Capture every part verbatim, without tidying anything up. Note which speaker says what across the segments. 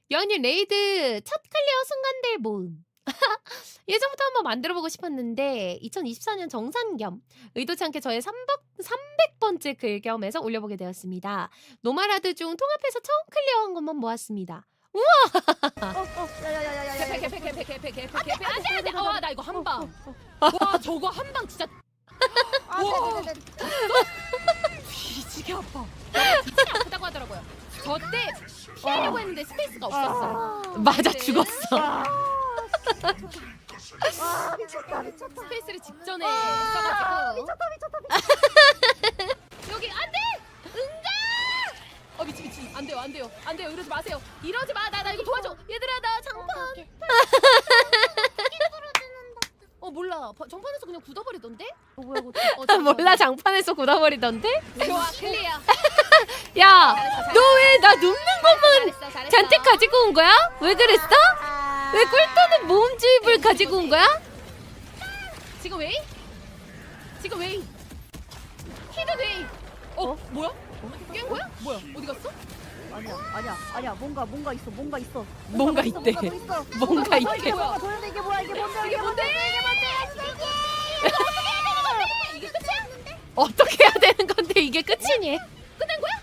Speaker 1: 여왕님 레이드 첫 클리어 순간들 모음. 예전부터 한번 만들어보고 싶었는데 이천이십사 년 정산 겸 의도치 않게 저의 삼백 번째 글겸에서 올려보게 되었습니다. 노말하드 중 통합해서 처음 클리어한 것만 모았습니다.
Speaker 2: 어, 어, 야야야야야야.
Speaker 3: 개패 개패 개패 개패 개패 개패 안돼 안돼. 와 나 이거 한 방. 와 저거 한 방 진짜
Speaker 2: 아,
Speaker 3: 우와.
Speaker 2: 네네네.
Speaker 3: 뒤지게 아파. 뒤지게 아프다고 하더라고요. 저때 피하려고 했는데 스페이스가 없었어.
Speaker 1: 맞아
Speaker 3: 네.
Speaker 1: 죽었어.
Speaker 2: 아, 미쳤다, 미쳤다.
Speaker 3: 스페이스를 직전에
Speaker 2: 아,
Speaker 3: 써가지고
Speaker 2: 미쳤다, 미쳤다, 미쳤다.
Speaker 3: 여기 안돼. 응가. 어 미친 미친 안 돼요 안 돼요 안 돼요 이러지 마세요. 이러지 마. 나 나 이거 도와줘. 얘들아 나 장판. 어 몰라. 바- 정판에서 그냥 굳어버리던데?
Speaker 2: 어, 뭐야, 이거.
Speaker 3: 어, 잠깐.
Speaker 1: 몰라 장판에서 굳어버리던데?
Speaker 3: 좋아 클리어.
Speaker 1: 야,
Speaker 3: 잘했어,
Speaker 1: 너 왜 나 눕는 것만
Speaker 3: 잘했어 잘했어.
Speaker 1: 잔뜩 가지고 온 거야? 왜 그랬어?
Speaker 2: 아,
Speaker 1: 왜 꿀또는 모음집을 가지고 온 거야?
Speaker 3: 지금 웨이? 지금 웨이? 히든 웨이? 어? 뭐야? 깬 거야? 뭐야? 어디 갔어?
Speaker 2: 아니야, 아니야, 아니야. 뭔가, 뭔가 있어, 뭔가 있어.
Speaker 1: 뭔가
Speaker 2: 있어,
Speaker 1: 있대.
Speaker 2: 뭔가 또 있어.
Speaker 1: 뭔가
Speaker 2: 어,
Speaker 1: 있대.
Speaker 2: 이게 뭔가 보였는데 이게 뭐야? 이게 뭔데?
Speaker 3: 이게 뭔데?
Speaker 2: 이게 뭔데?
Speaker 3: 이게 끝이야?
Speaker 1: 어떻게 해야 되는 건데 이게 끝이니?
Speaker 3: 끝난 거야?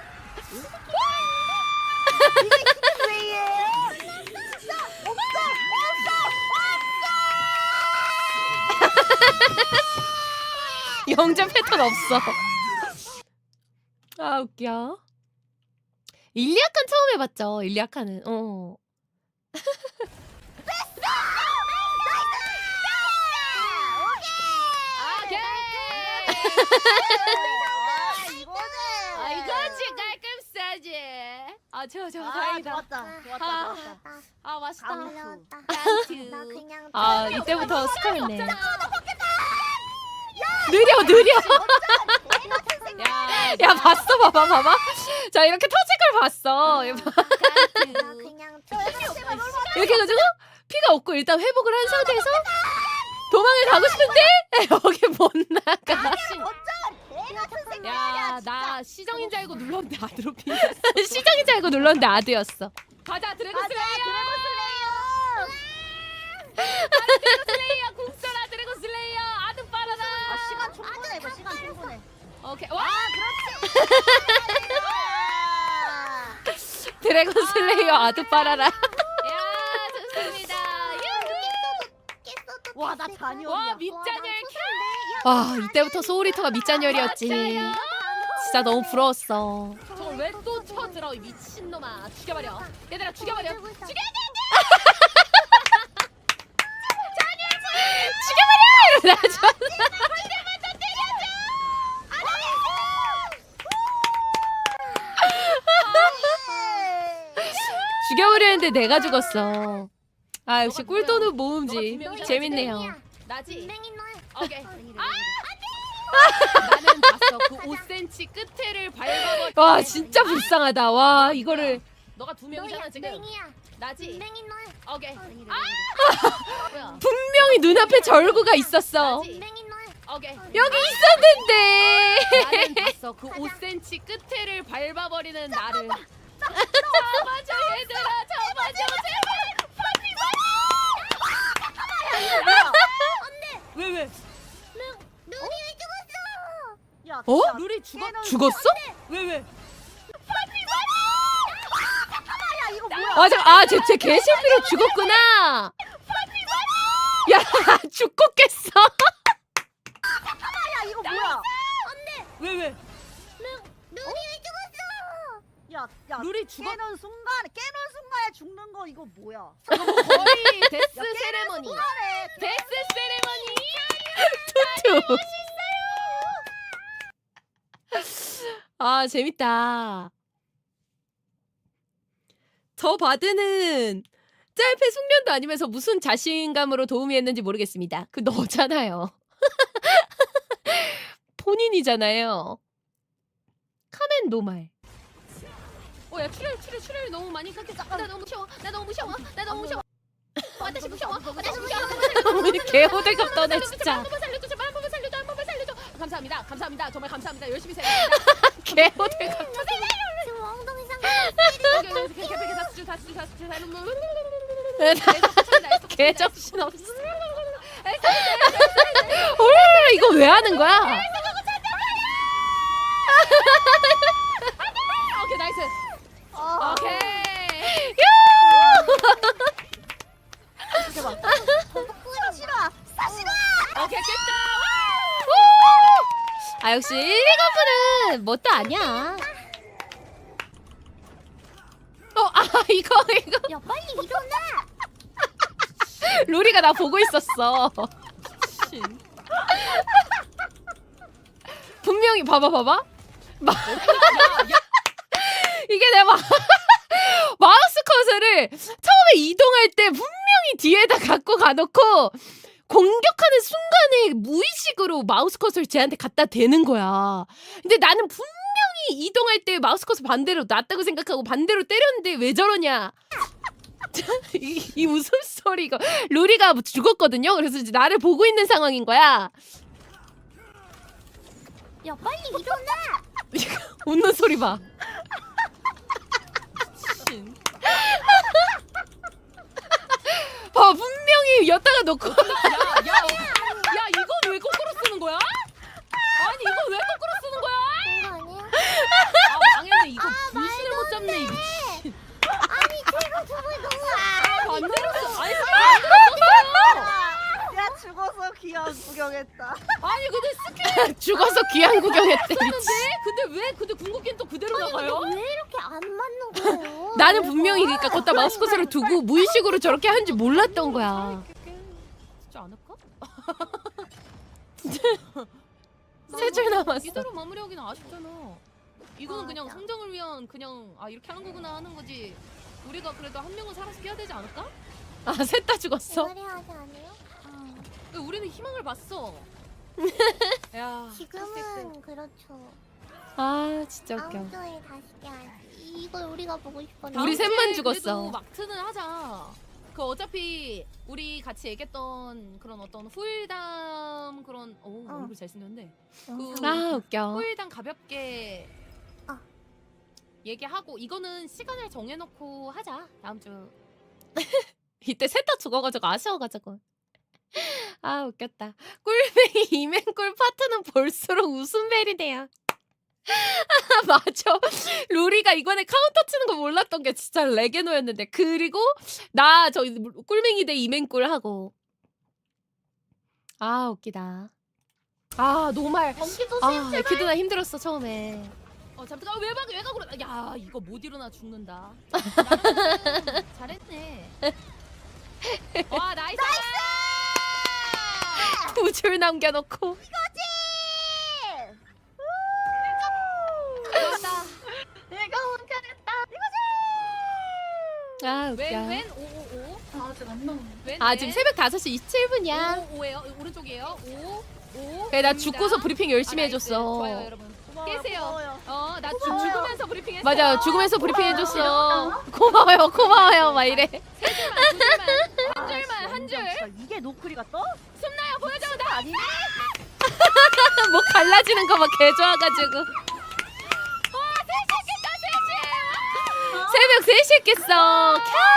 Speaker 2: 이게 히든 웨이에. 진짜 없어, 없어,
Speaker 1: 영점 패턴 없어. 아 웃겨. 일리아칸 처음 해봤죠. 일리아칸은. 어.
Speaker 3: 오케이.
Speaker 2: 아, 이거지.
Speaker 3: 아 이거지 깔끔싸지. 아 좋아 좋아
Speaker 2: 아,
Speaker 3: 다행이다.
Speaker 2: 좋았다, 좋았다,
Speaker 3: 아.
Speaker 2: 좋았다.
Speaker 3: 아 맛있다.
Speaker 2: 감수.
Speaker 3: 땡큐.
Speaker 4: 나 그냥
Speaker 1: 아 이때부터 스카했네.
Speaker 3: 없잖아.
Speaker 1: 느려 느려.
Speaker 3: 야,
Speaker 1: 야 봤어 봐봐 봐봐. 자 이렇게 터질 걸 봤어. 이거 봐.
Speaker 4: 나 그냥
Speaker 1: 이렇게 해가지고 피가 없고 일단 회복을 한 상태에서 도망을 가고 싶은데 여기 못 나가.
Speaker 3: 야, 나 시정인 줄 알고 눌렀는데 아드로핀.
Speaker 1: 시장인 줄 알고 눌렀는데 아드였어.
Speaker 3: 가자 드래곤
Speaker 2: 가자,
Speaker 3: 슬레이어.
Speaker 2: 드래곤 슬레이어.
Speaker 3: 슬레이어 궁써라 드래곤 슬레이어 아드 빨아라.
Speaker 2: 아, 시간 충분해, 이거 시간 충분해.
Speaker 3: 오케이 와
Speaker 1: 드래곤 슬레이어 아드 빨아라.
Speaker 3: 야 좋습니다.
Speaker 2: 와, 나 잔이었냐.
Speaker 3: 와 밑잔열
Speaker 1: 와 이때부터 소울리터가 밑잔열이었지. 진짜 너무 부러웠어.
Speaker 3: 저걸 왜 또 쳐들어 이 미친놈아. 죽여버려 얘들아 죽여버려. 죽여
Speaker 1: 죽여버려! 이러다 저 죽여버려 했는데 내가 죽었어. 아 역시 꿀도는 모음지. 재밌네요.
Speaker 3: 나지.
Speaker 4: 분명히 너
Speaker 3: 오케이. 나는 봤어 그 오 센티미터 끝에를 밟아버려.
Speaker 1: 와 진짜 불쌍하다. 와 이거를
Speaker 3: 너가 두 명이잖아 지금.
Speaker 4: 맹이야.
Speaker 3: 나지.
Speaker 4: 분명히 너
Speaker 3: 오케이.
Speaker 4: 아!
Speaker 3: 뭐야?
Speaker 1: 분명히 눈앞에 절구가 있었어.
Speaker 3: 나지.
Speaker 4: 분명히 너
Speaker 3: 오케이.
Speaker 1: 여기 있었는데.
Speaker 3: 나는 봤어 그 오 센티미터 끝에를 밟아버리는 나를. 잡아줘 얘들아 잡아줘 제발. 왜 왜?
Speaker 4: 눈이 왜 죽었어?
Speaker 2: 야,
Speaker 1: 어?
Speaker 2: 야,
Speaker 3: 룰이 죽어?
Speaker 2: 걔는
Speaker 1: 죽었어?
Speaker 3: 왜 왜?
Speaker 2: 야, 이거 뭐야?
Speaker 1: 맞아. 아쟤쟤 개실비로 죽었구나. 야 죽고 깼어.
Speaker 2: 야, 이거 뭐야?
Speaker 3: 왜 왜?
Speaker 4: 눈이 왜 죽었어?
Speaker 2: 야, 야,
Speaker 3: 룰이 죽어?
Speaker 2: 깨는 순간, 깨는 순간에 죽는 거 이거 뭐야?
Speaker 3: 거의 데스
Speaker 2: 야, 깨는
Speaker 3: 세레머니.
Speaker 2: 순간에
Speaker 3: 데스 세레머니.
Speaker 1: 투투. 아 재밌다. 저 바드는 짤패 숙련도 아니면서 무슨 자신감으로 도움이 했는지 모르겠습니다. 그 너잖아요. 본인이잖아요. 카멘 노말.
Speaker 3: 어야 출혈 출혈 출혈 너무 많이 깎였어. 나 너무 무서워. 나 너무 무서워. 나 너무 무서워. 아, 다시 무서워. 아, 다시 무서워.
Speaker 1: 개호들갑 떠네 진짜.
Speaker 3: 한 번만 살려줘. 제발 한 번만 살려줘. 한 번만 살려줘. 감사합니다. 감사합니다. 정말 감사합니다. 열심히 살려.
Speaker 1: 개호들갑.
Speaker 4: 지금 엉덩이 상
Speaker 3: 오케이 오케이 오케이. 다 쓰죠. 다 쓰죠. 다 쓰죠.
Speaker 1: 개정신 없어. 헐 이거 왜 하는 거야?
Speaker 3: 오케이 나이스.
Speaker 2: 아,
Speaker 3: 오케이.
Speaker 2: 대박. 사실아, 사실아.
Speaker 3: 오케이 깼다.
Speaker 1: 아 역시 일리거프는 뭣도 아니야. 어아 이거 이거
Speaker 4: 야 빨리 일어나.
Speaker 1: 루리가 나 보고 있었어. 분명히 봐봐 봐봐. 마... 이게 내가 마... 마우스 커서를 처음에 이동할 때 분명히 뒤에다 갖고 가놓고 공격하는 순간에 무의식으로 마우스 커서를 쟤한테 갖다 대는 거야. 근데 나는 분명히 이동할 때 마우스 커서 반대로 놨다고 생각하고 반대로 때렸는데 왜 저러냐. 이, 이 웃음소리 이거 루리가 죽었거든요. 그래서 이제 나를 보고 있는 상황인 거야.
Speaker 4: 야 빨리 일어나.
Speaker 1: 웃는 소리 봐. 봐 분명히 엿다가 놓고
Speaker 3: 야야야 야, 이건 왜 거꾸로 쓰는 거야? 아니 이건 왜 거꾸로 쓰는 거야?
Speaker 4: 그거 아니야?
Speaker 3: 아 망했네 이거 분신을 못 잡네 이 미친.
Speaker 4: 아니 제가 저걸 너무
Speaker 3: 반대로 써. 아니 반대로
Speaker 2: 야, 죽어서 귀한 구경했다.
Speaker 3: 써. 아니 근데 스킬
Speaker 1: 죽어서 귀한 구경했대. 미친.
Speaker 3: 썼는데 근데 왜 근데 궁극기는 또 그대로 나가요?
Speaker 4: 왜 이렇게 안 맞는 거예요?
Speaker 1: 나는 분명히 그러니까 걷다 마우스 커서를 두고 무의식으로 저렇게 하는지 몰랐던 거야.
Speaker 3: 진지 않을까?
Speaker 1: 세 줄 남았어.
Speaker 3: 이대로 마무리하기는 아쉽잖아. 이거는 그냥
Speaker 4: 맞아.
Speaker 3: 성장을 위한 그냥 아 이렇게 하는 거구나 하는 거지. 우리가 그래도 한 명은 살아서 깨야 되지 않을까?
Speaker 1: 아 셋 다 죽었어.
Speaker 4: 그래 하지 않아요? 어.
Speaker 3: 근데 우리는 희망을 봤어. 야
Speaker 4: 지금은 그렇죠.
Speaker 1: 아 진짜 웃겨.
Speaker 4: 다음 주에 다시 깨야지. 이걸 우리가 보고 싶었는데.
Speaker 1: 우리 셋만
Speaker 3: 다음 주에
Speaker 1: 죽었어.
Speaker 3: 그래도 막트는 하자. 그 어차피 우리 같이 얘기했던 그런 어떤 후일담 그런 오
Speaker 4: 어.
Speaker 3: 얼굴 잘생겼는데
Speaker 4: 영상.
Speaker 3: 그
Speaker 1: 아 웃겨.
Speaker 3: 후일담 가볍게
Speaker 4: 어.
Speaker 3: 얘기하고 이거는 시간을 정해놓고 하자 다음 주.
Speaker 1: 이때 셋 다 죽어가지고 아쉬워가지고. 아 웃겼다. 꿀뱅이 이맹꿀 파트는 볼수록 웃음벨이네요. 아, 맞아. 루리가 이번에 카운터 치는 거 몰랐던 게 진짜 레게노였는데 그리고 나 저 꿀맹이 대 이맹꿀 하고 아 웃기다. 아 노말.
Speaker 4: 경기도
Speaker 1: 아 에키드나 힘들었어 처음에.
Speaker 3: 어 잠깐 외박 외곽으로 야 이거 못 일어나 죽는다. 나름 잘했네. 와 나이스.
Speaker 1: 두 줄 남겨놓고.
Speaker 3: 좋았다.
Speaker 2: 내가 혼자냈다.
Speaker 1: 아 웃겨.
Speaker 3: 왼왼 오오오.
Speaker 2: 아직 안 나오네.
Speaker 3: 왼
Speaker 1: 아 지금 새벽 다섯 시 이십칠 분이야.
Speaker 3: 오오예요. 오른쪽이에요. 오 오.
Speaker 1: 그래 나 죽고서 브리핑 열심히
Speaker 3: 아, 나이스.
Speaker 1: 해줬어.
Speaker 3: 좋아요 여러분.
Speaker 2: 고마워요,
Speaker 3: 깨세요.
Speaker 2: 고마워요.
Speaker 3: 어, 나
Speaker 2: 고마워요.
Speaker 3: 죽으면서 브리핑했어.
Speaker 1: 맞아 죽으면서 브리핑 해줬어. 고마워요 고마워요 막 이래.
Speaker 3: 한 줄만, 한
Speaker 2: 아,
Speaker 3: 줄만, 한 줄.
Speaker 2: 진짜 이게 노크리가 떠?
Speaker 3: 숨나요 보여줘. 나
Speaker 2: 아니네.
Speaker 1: 뭐 갈라지는 거 막 개 좋아가지고.
Speaker 3: 와, 셋이겠다, 셋이.
Speaker 1: 새벽 세 시 했겠어.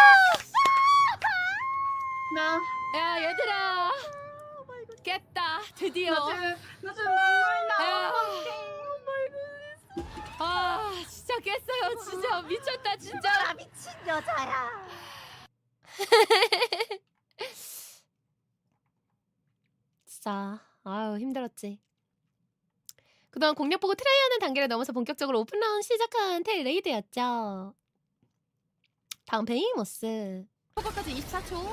Speaker 2: 나
Speaker 3: 야, 얘들아. 깼다. 드디어.
Speaker 2: 요즘 요즘 눈물 나.
Speaker 3: 야. 아, 진짜 깼어요. 진짜 미쳤다, 진짜.
Speaker 2: 나 미친 여자야.
Speaker 1: 진짜 아유 힘들었지. 그동안 공략 보고 트라이하는 단계를 넘어서 본격적으로 오픈라운 시작한 텔 레이드였죠. 다음 베이모스.
Speaker 3: 효과까지 이십사 초.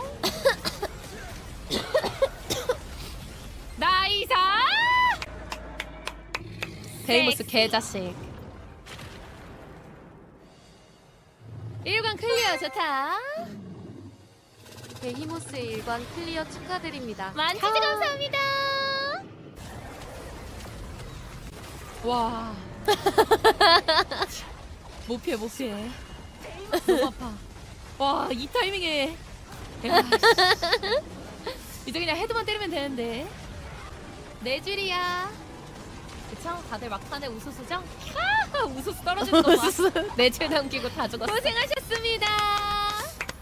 Speaker 3: 나이사.
Speaker 1: 베이모스 개자식.
Speaker 3: 일관 클리어 좋다.
Speaker 5: 베히모스의 일관 클리어 축하드립니다.
Speaker 3: 만치즈 감사합니다. 와. 못 피해 못 피해. 너무 아파. 와, 이 타이밍에. 야, 씨. 이제 그냥 헤드만 때리면 되는데. 네 줄이야. 그쵸? 다들 막판에 우수수죠? 아, 우수수 떨어지는 거 봐.
Speaker 1: 네줄 남기고 다 죽었어.
Speaker 3: 고생하셨습니다.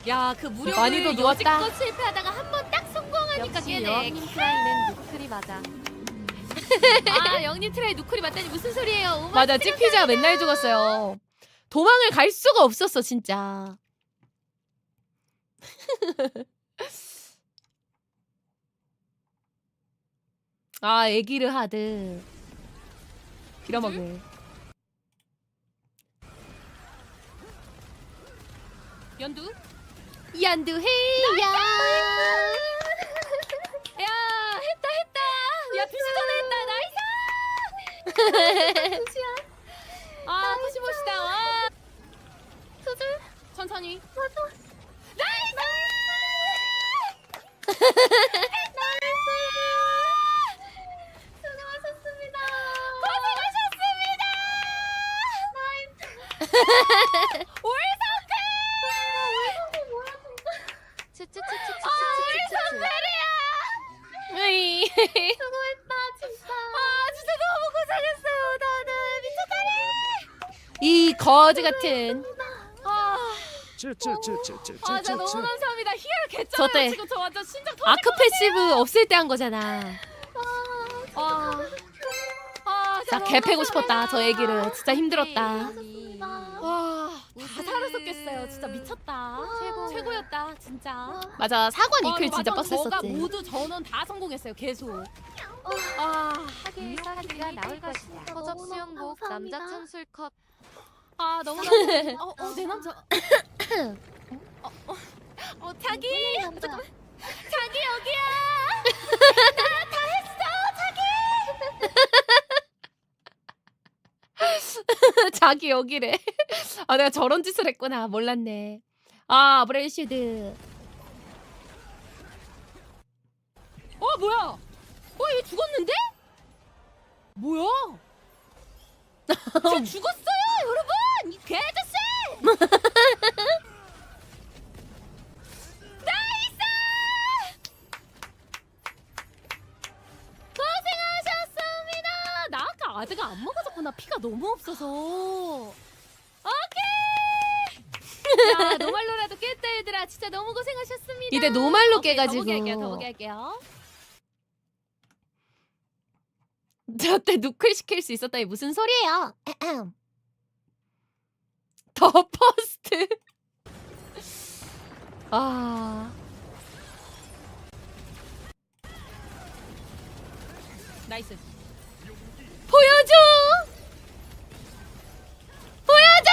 Speaker 3: 야, 그 무료를
Speaker 1: 많이도 누웠다.
Speaker 3: 여지껏 실패하다가 한 번 딱 성공하니까
Speaker 5: 역시
Speaker 3: 깨네.
Speaker 5: 여왕님 트라이는 누클이 맞아.
Speaker 3: 아, 영님 트라이 누쿨이 맞다니 무슨 소리예요? 오마
Speaker 1: 맞아, 찍피자 맨날 죽었어요. 도망을 갈 수가 없었어 진짜. 아, 에기르 하드. 빌어먹을.
Speaker 3: 연두?
Speaker 1: 연두 헤이야.
Speaker 3: 야, 했다 했다. 야, 두 시 전에 했다. 나이스. 아, 푸시 멋있다. 와.
Speaker 1: 수술.
Speaker 3: 천천히.
Speaker 5: 츠츠츠츠츠츠츠츠.
Speaker 1: 으이. 이 거지 같은.
Speaker 3: 아,
Speaker 6: 쯔쯔쯔쯔쯔쯔쯔.
Speaker 3: 아, 진짜 너무 감사합니다. 희열
Speaker 1: 저
Speaker 3: 개쩔어요.
Speaker 1: 때
Speaker 3: 지금 저 완전 심장 터질
Speaker 1: 아크 패시브 없을 때 한 거잖아.
Speaker 3: 와. 아,
Speaker 1: 진짜
Speaker 3: 너무
Speaker 1: 개 패고
Speaker 3: 감사합니다.
Speaker 1: 싶었다 저 애기를. 진짜 힘들었다.
Speaker 3: 와, 다
Speaker 5: 우승.
Speaker 3: 살았었겠어요. 진짜 미쳤다.
Speaker 5: 최고.
Speaker 3: 최고였다, 진짜.
Speaker 1: 맞아, 사관
Speaker 3: 와,
Speaker 1: 이클 진짜
Speaker 3: 맞아. 저가
Speaker 1: 빡셌었지.
Speaker 3: 모두 전원 다 성공했어요. 계속. 아,
Speaker 5: 하계의 사기가 나올 것이다. 허접 수영복
Speaker 4: 감사합니다.
Speaker 5: 남자 천술컷.
Speaker 3: 아 너무 나. 어, 어, 내 남자. 어, 어, 어, 자기. 잠깐만. 자기 여기야.
Speaker 1: 자기 여기래. 아, 내가 저런 짓을 했구나. 몰랐네. 아, 브레이시드.
Speaker 3: 어 뭐야? 어 얘 죽었는데? 뭐야? 저 죽었어요, 여러분! 이 개아저씨! 나이스! 고생하셨습니다. 나 아까 아드가 안 먹어졌구나. 피가 너무 없어서. 오케이. 야, 노말로라도 깼다 얘들아. 진짜 너무 고생하셨습니다.
Speaker 1: 이때 노말로
Speaker 3: 오케이,
Speaker 1: 깨가지고.
Speaker 3: 더 보게 할게요. 더 보게 할게요.
Speaker 1: 저때 누클 시킬 수 있었다니 무슨 소리예요? 더 퍼스트. 아,
Speaker 3: 나이스.
Speaker 1: 보여줘. 보여줘.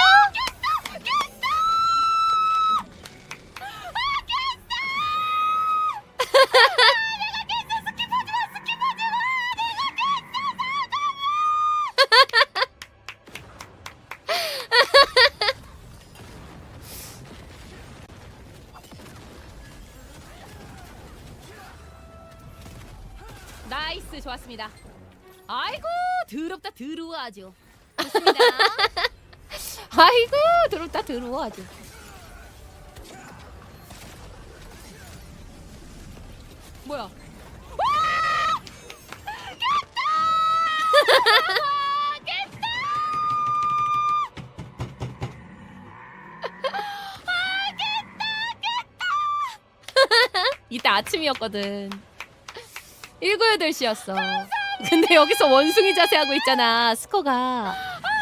Speaker 3: 나이스, 좋았습니다. 아이고 더럽다 더러워 아주. 좋습니다.
Speaker 1: 아이고, 들어왔다 들어와 아주.
Speaker 3: 뭐야?
Speaker 1: 이때 아침이었거든. 일곱, 여덟 시였어. 근데 여기서 원숭이 자세 하고 있잖아, 스코가.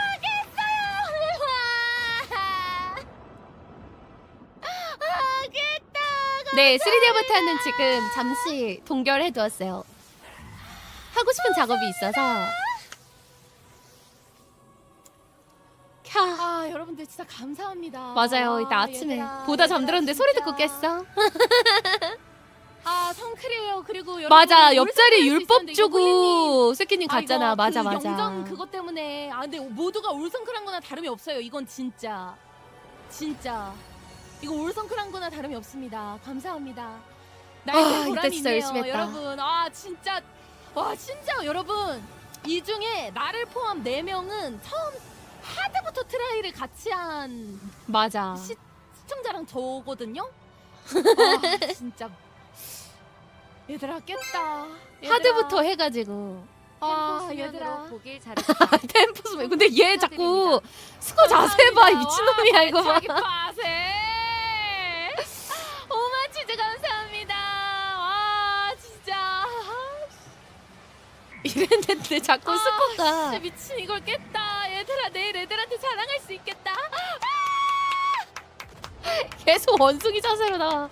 Speaker 1: 네, 쓰리디 아바타는 지금 잠시 동결해 두었어요. 하고 싶은 작업이 있어서. 캬.
Speaker 3: 아 여러분들 진짜 감사합니다.
Speaker 1: 맞아요.
Speaker 3: 아,
Speaker 1: 이따 아침에
Speaker 3: 얘들아,
Speaker 1: 보다
Speaker 3: 얘들아,
Speaker 1: 잠들었는데 소리 듣고
Speaker 3: 진짜.
Speaker 1: 깼어.
Speaker 3: 아 성크래요. 그리고 여러분
Speaker 1: 맞아,
Speaker 3: 울산에
Speaker 1: 옆자리
Speaker 3: 할수
Speaker 1: 율법
Speaker 3: 있었는데 이거 홀리님.
Speaker 1: 주고 스키님
Speaker 3: 아,
Speaker 1: 갔잖아.
Speaker 3: 이거
Speaker 1: 맞아,
Speaker 3: 그
Speaker 1: 맞아.
Speaker 3: 영정 그것 때문에 아 근데 모두가 올성크란 거나 다름이 없어요. 이건 진짜 진짜 이거 올성크란 거나 다름이 없습니다. 감사합니다.
Speaker 1: 아,
Speaker 3: 나의
Speaker 1: 이때
Speaker 3: 보람이
Speaker 1: 진짜
Speaker 3: 있네요,
Speaker 1: 열심히 했다.
Speaker 3: 여러분. 아 진짜 와 진짜 여러분 이 중에 나를 포함 네 명은 처음 하드부터 트라이를 같이 한
Speaker 1: 맞아.
Speaker 3: 시, 시청자랑 저거든요. 아 진짜 얘들아 깼다. 얘들아.
Speaker 1: 하드부터 해가지고.
Speaker 3: 아
Speaker 5: 템포
Speaker 3: 얘들아.
Speaker 5: 수면으로 보길 잘했다.
Speaker 1: 템포스. 근데 얘 자꾸 스코 자세 봐. 이 미친놈이야 이거 봐.
Speaker 3: 자기 빠세.
Speaker 1: 그랬는데 자꾸 스코가
Speaker 3: 진짜 미친 이걸 깼다. 얘들아 내일 애들한테 자랑할 수 있겠다.
Speaker 1: 계속 원숭이 자세로 나와.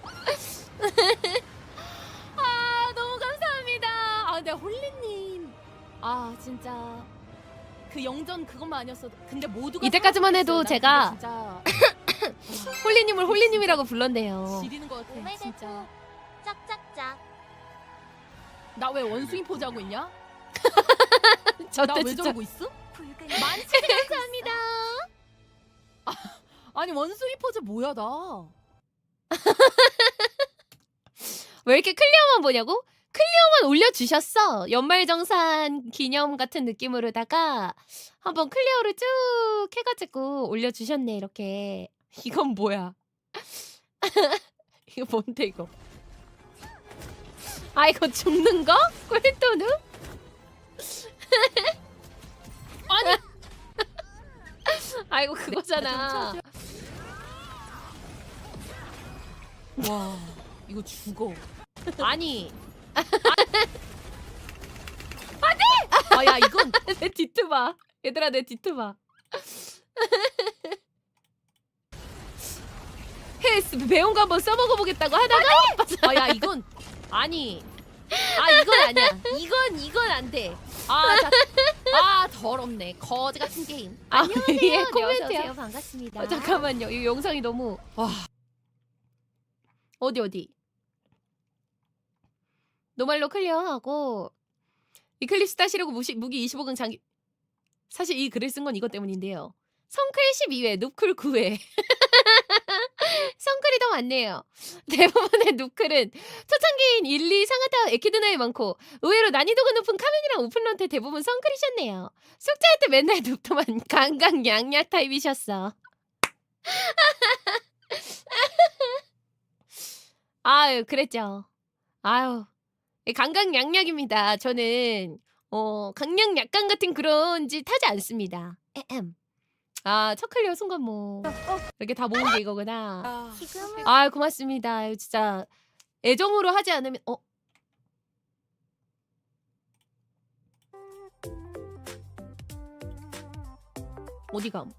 Speaker 3: 아 너무 감사합니다. 아 근데 홀리님 아 진짜 그 영전 그것만 아니었어도 근데 모두가
Speaker 1: 이때까지만 해도
Speaker 3: 살아보겠어요. 난
Speaker 1: 제가
Speaker 3: 근데 진짜
Speaker 1: 홀리님을 홀리님이라고 불렀네요.
Speaker 3: 지리는 것 같아
Speaker 4: 오메데토
Speaker 3: 진짜.
Speaker 4: 짝짝짝.
Speaker 3: 나 왜 원숭이 포즈 하고 있냐?
Speaker 1: 저때
Speaker 3: 나 왜
Speaker 1: 진짜
Speaker 3: 저러고 있어?
Speaker 2: 붉은
Speaker 3: 만취 감사합니다. 아니 원숭이 포즈 뭐야 나?
Speaker 1: 왜 이렇게 클리어만 보냐고? 클리어만 올려주셨어. 연말정산 기념 같은 느낌으로다가 한번 클리어를 쭉 해가지고 올려주셨네 이렇게. 이건 뭐야? 이거 뭔데 이거? 아 이거 죽는 거? 꿀또누? 아니 아이고 그거잖아.
Speaker 3: 와 이거 죽어.
Speaker 1: 아니
Speaker 3: 아야 이건
Speaker 1: 내 뒤트 봐. 얘들아 내 뒤트 봐. 헤스 배운 거 한번 써먹어 보겠다고 하다가
Speaker 3: 아야 이건
Speaker 1: 아니 아 이건 아니야. 이건 이건 안 돼.
Speaker 3: 아, 자, 아 더럽네 거지 같은 게임.
Speaker 1: 아,
Speaker 5: 안녕하세요.
Speaker 1: 위에
Speaker 5: 네,
Speaker 1: 코멘트야.
Speaker 5: 어서오세요. 반갑습니다.
Speaker 1: 어, 잠깐만요. 이 영상이 너무
Speaker 3: 와
Speaker 1: 어디 어디. 노말로 클리어하고 이클립스 따시려고 무시, 무기 이십오 강 장기 사실 이 글을 쓴 건 이것 때문인데요. 성클 십이 회, 눕클 구 회. 성클이 더 많네요. 대부분의 눕클은 초창기인 일, 이 상하타 에키드나에 많고 의외로 난이도가 높은 카멘이랑 오픈런트 대부분 성클이셨네요. 숙제할 때 맨날 눕더만 강강 양약 타입이셨어. 아유 그랬죠. 아유 강강 양약입니다. 저는 어 강약 약간 같은 그런 짓 하지 않습니다. 에헴. 아 첫 클리어 순간 뭐 이렇게 다 모은 게 이거구나.
Speaker 3: 아,
Speaker 4: 지금은
Speaker 1: 아 고맙습니다. 아유, 진짜 애정으로 하지 않으면 어 어디 감?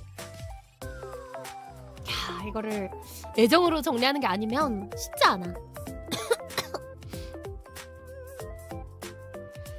Speaker 1: 야 이거를 애정으로 정리하는 게 아니면 쉽지 않아.